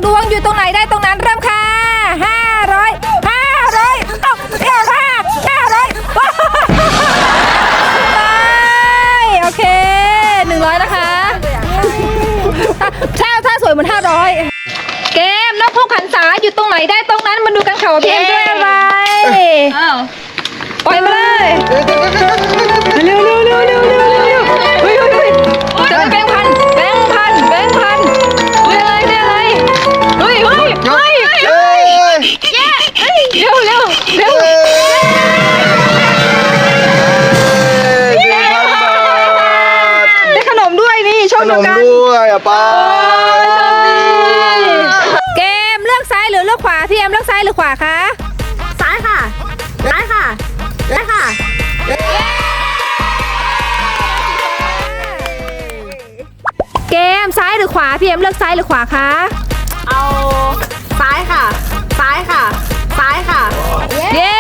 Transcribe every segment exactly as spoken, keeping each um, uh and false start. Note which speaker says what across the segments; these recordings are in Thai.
Speaker 1: ดวงอยู่ตรงไหนได้ตรงนั้นเริ่มค่ะห้าร้อยห้าร้อยเอ้าเอ้าห้าห้าร้อยไปโอเคหนึ่งร้อยนะคะถ้าถ้าสวยเหมือนห้าร้อยเกมนกพกขันษาอยู่ตรงไหนได้ตรงนั้นมาดูกันค่ะว่าพี่เอ็มด้วยอะไรปล่อยมาเลยเร็วเร็วเร็วเร็วเร็วเร็วเฮ้ยเฮ้ยเฮ้ยจะเป็นแบงค์พันแบงค์พันแบงค์พันเรียอะไรเรียอะไรเฮ้ยเฮ้ยเฮ้ยเฮ้ยเย้เร็วเร็วเร็วได้ขนมด้วยนี่ช่องเดียวกัน
Speaker 2: ด้วยอ่ะป้า
Speaker 1: เกมเลือกซ้ายหรือเลือกขวาพี่เอ็มเลือกซ้ายหรือขวาคะ
Speaker 3: ซ้ายค่ะซ้ายค่ะซ้ายค่ะ
Speaker 1: เกมซ้ายหรือขวาพี่เอ็มเลือกซ้ายหรือขวาคะ
Speaker 3: เอาซ้ายค่ะซ้ายค่ะซ้ายค่ะ
Speaker 1: เย้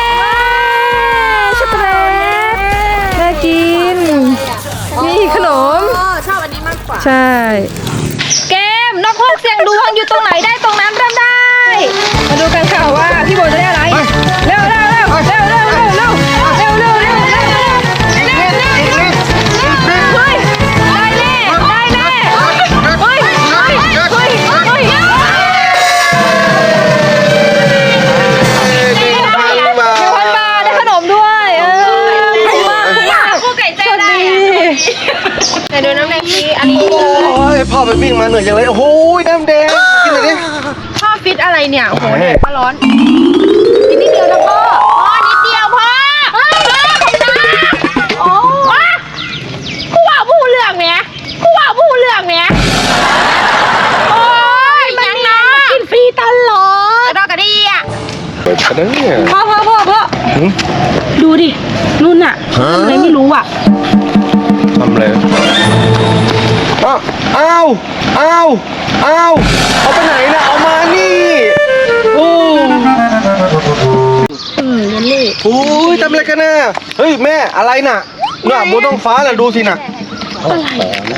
Speaker 1: ช็อกโกแลตน่ากินนี่ขนม
Speaker 3: ชอบอันนี้มากกว่า
Speaker 1: ใช่เกมนกฮูกเสียงดวงอยู่ตรงไหนได้ตรงนั้นเริ่มได้มาดูกันค่ะว่าพี่โบจะได้อะไรเร็วเร็วเร็วเร็วเร็วเร็วเร็วเร็วเร็วเร็วเร็วเร็วเร็วเฮ้ยได้แน่ได้แน่เฮ้ยเฮ้ยเฮ้ยเฮ้ยหนึ่งพันบาทได้ขนมด้วยเออคุ้มมากคุ้มมากคู่ไก่ใจได้แต่ดูน้ำแดงนี้อันนี้
Speaker 2: โอ้ยพ่อไปวิ่งมาเหนื่อยจังเลยโอ้โหน้ำแดงกินเลยดิ
Speaker 3: พ่อฟิตอะไรเนี่ยโอ้โหแดดก็ร้อนกินนิดเดียวนะพ่อพ่อนิดเดียวพ่อเฮ้ยพ่อผมนะโอ้คู่ว่าผู้เลือกเนี่ยคู่ว่าผู้เลือกเนี่ยโอ้ยยังนะกินฟรีตลอดรอกระดีอ่ะ
Speaker 2: เปิดกันเนี่ย
Speaker 3: พ่อพ่อพ่อพ่อดูดินู่นอ่ะอะไรไม่รู้อ่ะ
Speaker 2: ทำอะไรอ้าวอ้าวอ้าวอ้าวเอาไปไหนนะเอามานี่โอ้
Speaker 3: อืมเยลลี่
Speaker 2: โอ้ยทำอะไรกันน่ะเฮ้ยแม่อะไรน่ะน่ะบนท้องฟ้าน่ะดูสิน่ะ
Speaker 3: อะไร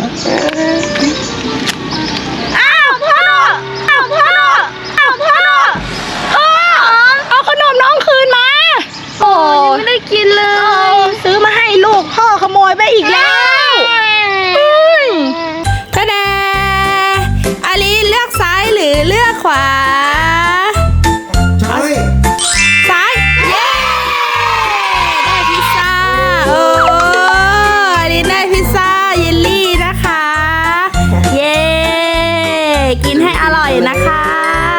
Speaker 3: อ้าวพ่ออ้าวพ่ออ้าวพ่อพ่อเอาขนมน้องคืนมาโอ้ยังไม่ได้กินเลยซื้อมาให้ลูกพ่อขโมยไปอีกแล้ว
Speaker 1: ตาดาอาลีเลือกซ้ายหรือเลือกขวา
Speaker 2: ใช่
Speaker 1: ซ้ายเย้ได้พิซซ่าโอ้อาลีได้พิซซ่าเยลลี่นะคะเย้กินให้อร่อยนะคะ